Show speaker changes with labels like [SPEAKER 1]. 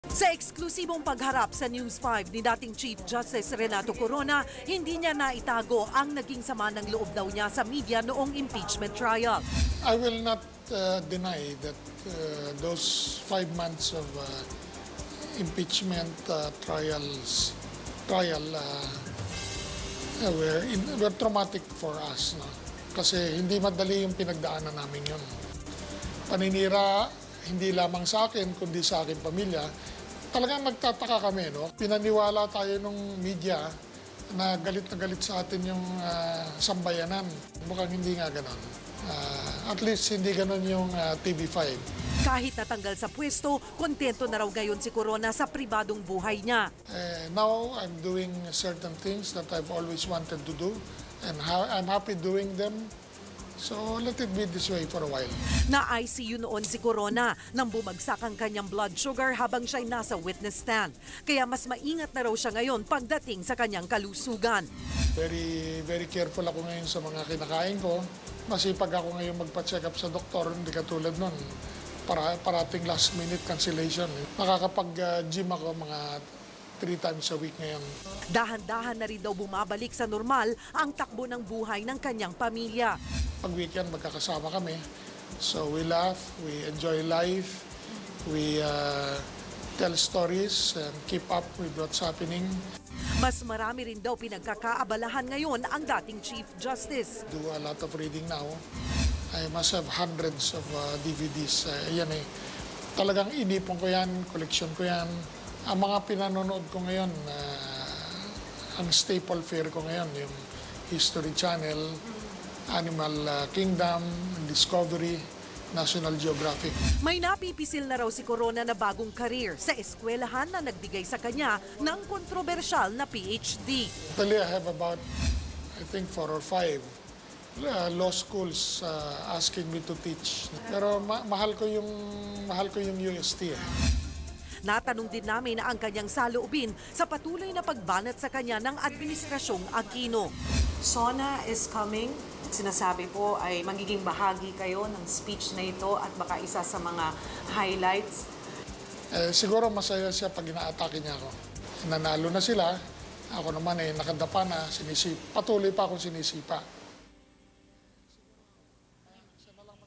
[SPEAKER 1] Sa eksklusibong pagharap sa News 5 ni dating Chief Justice Renato Corona, hindi niya naitago ang naging sama ng loob daw niya sa media noong impeachment trial.
[SPEAKER 2] I will not deny that those 5 months of impeachment trial were traumatic for us. No? Kasi hindi madali yung pinagdaanan namin yun. Paninira, hindi lamang sa akin, kundi sa aking pamilya. Talagang nagtataka kami, no? Pinaniwala tayo ng media na galit sa atin yung sambayanan. Mukhang hindi nga ganon. At least hindi ganon yung TV5.
[SPEAKER 1] Kahit natanggal sa pwesto, kontento na raw ngayon si Corona sa pribadong buhay niya.
[SPEAKER 2] Now, I'm doing certain things that I've always wanted to do. And I'm happy doing them. So let it be this way for a while.
[SPEAKER 1] Na-ICU noon si Corona nang bumagsak ang kanyang blood sugar habang siya'y nasa witness stand. Kaya mas maingat na raw siya ngayon pagdating sa kanyang kalusugan.
[SPEAKER 2] Very careful ako ngayon sa mga kinakain ko. Masipag ako ngayon magpa-check up sa doktor, hindi katulad nun. Parating last minute cancellation. Nakakapag-gym ako mga 3 times a week ngayon.
[SPEAKER 1] Dahan-dahan na rin daw bumabalik sa normal ang takbo ng buhay ng kanyang pamilya.
[SPEAKER 2] Pag weekend, magkakasama kami. So we laugh, we enjoy life, we tell stories and keep up with what's happening.
[SPEAKER 1] Mas marami rin daw pinagkakaabalahan ngayon ang dating Chief Justice.
[SPEAKER 2] Do a lot of reading now. I must have hundreds of DVDs. Yan eh. Talagang inipon ko yan, collection ko yan. Ang mga pinanonood ko ngayon, ang staple fare ko ngayon, yung History Channel, Animal Kingdom, Discovery, National Geographic.
[SPEAKER 1] May napipisil na raw si Corona na bagong career sa eskwelahan na nagbigay sa kanya ng kontrobersyal na PhD.
[SPEAKER 2] Actually, I have about, I think, 4 or 5 law schools asking me to teach. Pero mahal ko yung UST.
[SPEAKER 1] Natanong din namin ang kanyang saloobin sa patuloy na pagbanat sa kanya ng Administrasyong Aquino.
[SPEAKER 3] SONA is coming. Sinasabi po ay magiging bahagi kayo ng speech na ito at baka isa sa mga highlights.
[SPEAKER 2] Siguro masaya siya pag ina-atake niya ako. Nanalo na sila. Ako naman nakadapa na, patuloy pa akong sinisipa.